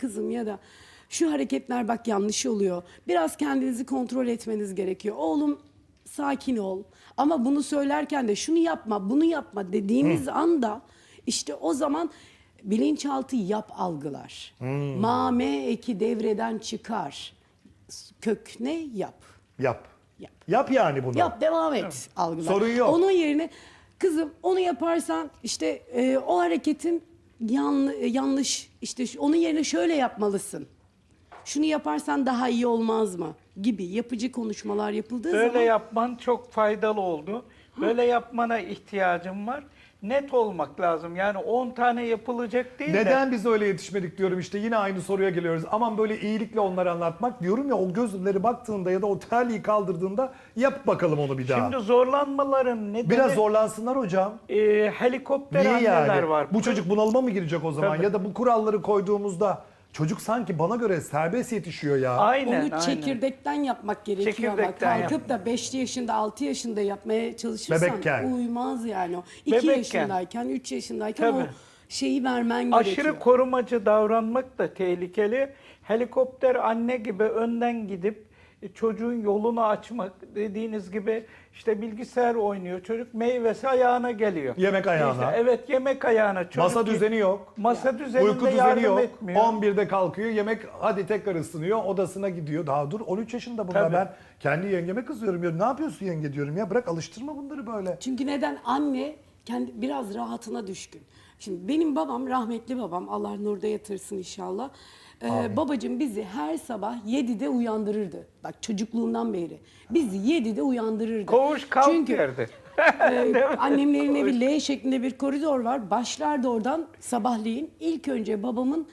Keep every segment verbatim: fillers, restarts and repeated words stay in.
kızım ya da şu hareketler bak yanlış oluyor. Biraz kendinizi kontrol etmeniz gerekiyor. Oğlum sakin ol. Ama bunu söylerken de şunu yapma, bunu yapma dediğimiz anda işte o zaman bilinçaltı yap algılar. Ma, me eki devreden çıkar. Kök ne? Yap. Yap. Yap. Yap yani bunu. Yap, devam et algılar. Sorun yok. Onun yerine kızım onu yaparsan işte e, o hareketin yan, yanlış, işte şu- onun yerine şöyle yapmalısın. Şunu yaparsan daha iyi olmaz mı? Gibi yapıcı konuşmalar yapıldığı Böyle zaman yapman çok faydalı oldu. Böyle yapmana ihtiyacım var. Net olmak lazım. Yani on tane yapılacak değil de. Neden biz öyle yetişmedik diyorum işte yine aynı soruya geliyoruz. Aman böyle iyilikle onları anlatmak diyorum ya o gözleri baktığında ya da o terliği kaldırdığında yap bakalım onu bir daha. Şimdi zorlanmaların nedeni Biraz zorlansınlar hocam. e, helikopter Niye anneler yani? var. Bu çocuk bunalıma mı girecek o zaman? Tabii. Ya da bu kuralları koyduğumuzda çocuk sanki bana göre serbest yetişiyor ya. Aynen, onu aynen. çekirdekten yapmak gerekiyor ama Çekirdekten kalkıp da beş yaşında altı yaşında yapmaya çalışırsan Bebekken. uymaz yani o. iki Bebekken. yaşındayken üç yaşındayken Tabii. o şeyi vermen Aşırı gerekiyor. korumacı davranmak da tehlikeli. Helikopter anne gibi önden gidip e, çocuğun yolunu açmak, dediğiniz gibi işte bilgisayar oynuyor çocuk, meyvesi ayağına geliyor. Yemek ayağına. İşte evet, yemek ayağına. Çocuk Masa ki- düzeni yok. Masa düzeninde Uyku düzeni yardım yok. etmiyor. on birde kalkıyor. Yemek hadi tekrar ısınıyor. Odasına gidiyor. Daha dur on üç yaşında bunlar. Tabii. Ben kendi yengeme kızıyorum. Ya, ne yapıyorsun yenge diyorum ya. Bırak alıştırma bunları böyle. Çünkü neden? Anne kendi biraz rahatına düşkün. Şimdi benim babam, rahmetli babam, Allah nurda yatırsın inşallah. Ee, babacığım bizi her sabah yedide uyandırırdı. Bak çocukluğundan beri. Bizi yedide uyandırırdı. Koğuş kalk Çünkü derdi. e, annemlerin evi L şeklinde bir koridor var. Başlardı oradan sabahleyin. İlk önce babamın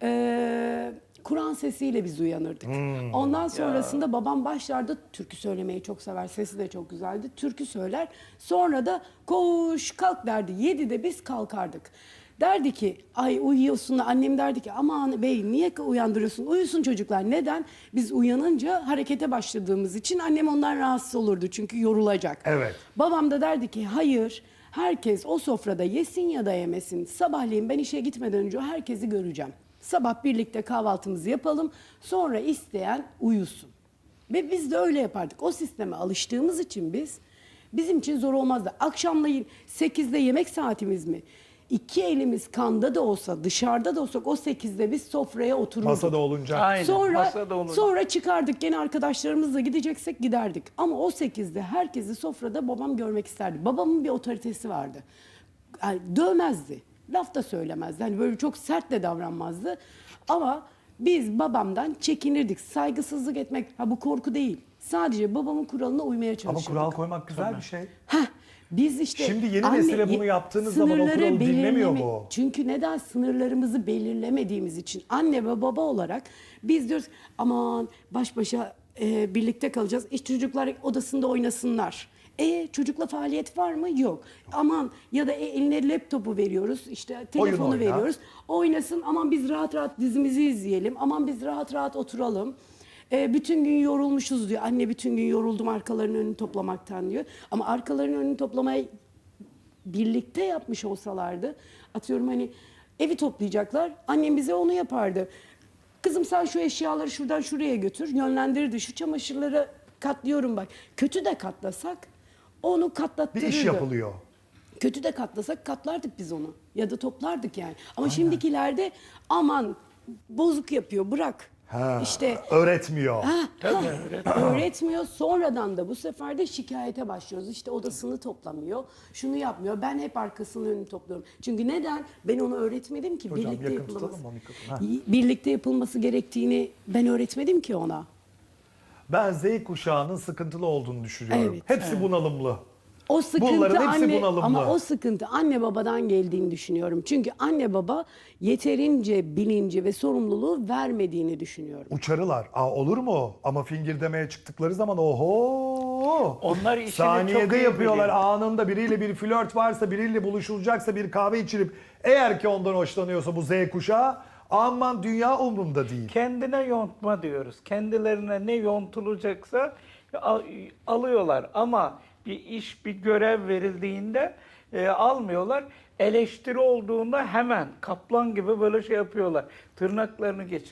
e, Kur'an sesiyle biz uyanırdık. Ondan sonrasında babam başlardı, türkü söylemeyi çok sever. Sesi de çok güzeldi. Türkü söyler. Sonra da koş kalk derdi. Yedide biz kalkardık. Derdi ki ay uyuyorsun da annem derdi ki aman bey niye uyandırıyorsun? Uyusun çocuklar. Neden? Biz uyanınca harekete başladığımız için annem ondan rahatsız olurdu. Çünkü yorulacak. Evet. Babam da derdi ki hayır herkes o sofrada yesin ya da yemesin. Sabahleyin ben işe gitmeden önce herkesi göreceğim. Sabah birlikte kahvaltımızı yapalım. Sonra isteyen uyusun. Ve biz de öyle yapardık. O sisteme alıştığımız için biz bizim için zor olmazdı. Akşamleyin sekizde yemek saatimiz mi? İki elimiz kanda da olsa dışarıda da olsak o sekizde biz sofraya otururduk. Masada olunca. Aynen. Sonra masada olunca. sonra çıkardık gene arkadaşlarımızla gideceksek giderdik. Ama o sekizde herkesi sofrada babam görmek isterdi. Babamın bir otoritesi vardı. Yani dövmezdi. Laf da söylemezdi. Hani böyle çok sert de davranmazdı. Ama biz babamdan çekinirdik. Saygısızlık etmek, ha bu korku değil. Sadece babamın kuralına uymaya Ama çalışırdık. kural koymak güzel bir şey. Heh, biz işte Şimdi yeni nesile bunu ye- yaptığınız zaman o sınırları kuralı dinlemiyor belirleme- mu? Çünkü neden? Sınırlarımızı belirlemediğimiz için anne ve baba olarak biz diyoruz aman baş başa e, birlikte kalacağız. İşte çocuklar odasında oynasınlar. E çocukla faaliyet var mı? Yok. Aman ya da e, eline laptopu veriyoruz. İşte telefonu oyna. veriyoruz. Oynasın. Aman biz rahat rahat dizimizi izleyelim. Aman biz rahat rahat oturalım. E, bütün gün yorulmuşuz diyor. Anne bütün gün yoruldum arkalarının önünü toplamaktan diyor. Ama arkalarının önünü toplamaya birlikte yapmış olsalardı, atıyorum hani evi toplayacaklar, annem bize onu yapardı. Kızım sen şu eşyaları şuradan şuraya götür, yönlendirirdi. Şu çamaşırları katlıyorum bak. Kötü de katlasak onu Bir katlattırırdı. iş yapılıyor. Kötü de katlasak katlardık biz onu. Ya da toplardık yani. Ama şimdikilerde aman bozuk yapıyor bırak. Ha, İşte öğretmiyor. Ha, ha, öğretmiyor. Sonradan da bu sefer de şikayete başlıyoruz. İşte odasını toplamıyor, şunu yapmıyor. Ben hep arkasının önünü topluyorum. Çünkü neden? Ben onu öğretmedim ki. Hocam, birlikte yakın yapılması. tutalım o mikrofonu. Ha. Birlikte yapılması gerektiğini ben öğretmedim ki ona. Ben Z kuşağının sıkıntılı olduğunu düşünüyorum. Evet. Hepsi bunalımlı. O sıkıntı Bunların hepsi anne bunalımlı. ama o sıkıntı anne babadan geldiğini düşünüyorum. Çünkü anne baba yeterince bilinci ve sorumluluğu vermediğini düşünüyorum. Uçarılar. Aa, olur mu? Ama fingirdemeye çıktıkları zaman oho. Onlar işini saniyede çok iyi yapıyorlar. biliyor. Anında biriyle bir flört varsa, biriyle buluşulacaksa, bir kahve içilip eğer ki ondan hoşlanıyorsa bu Z kuşağı aman dünya umrumda değil. Kendine yontma diyoruz. Kendilerine ne yontulacaksa al- alıyorlar. Ama bir iş, bir görev verildiğinde e, almıyorlar. Eleştiri olduğunda hemen kaplan gibi böyle şey yapıyorlar. Tırnaklarını geç.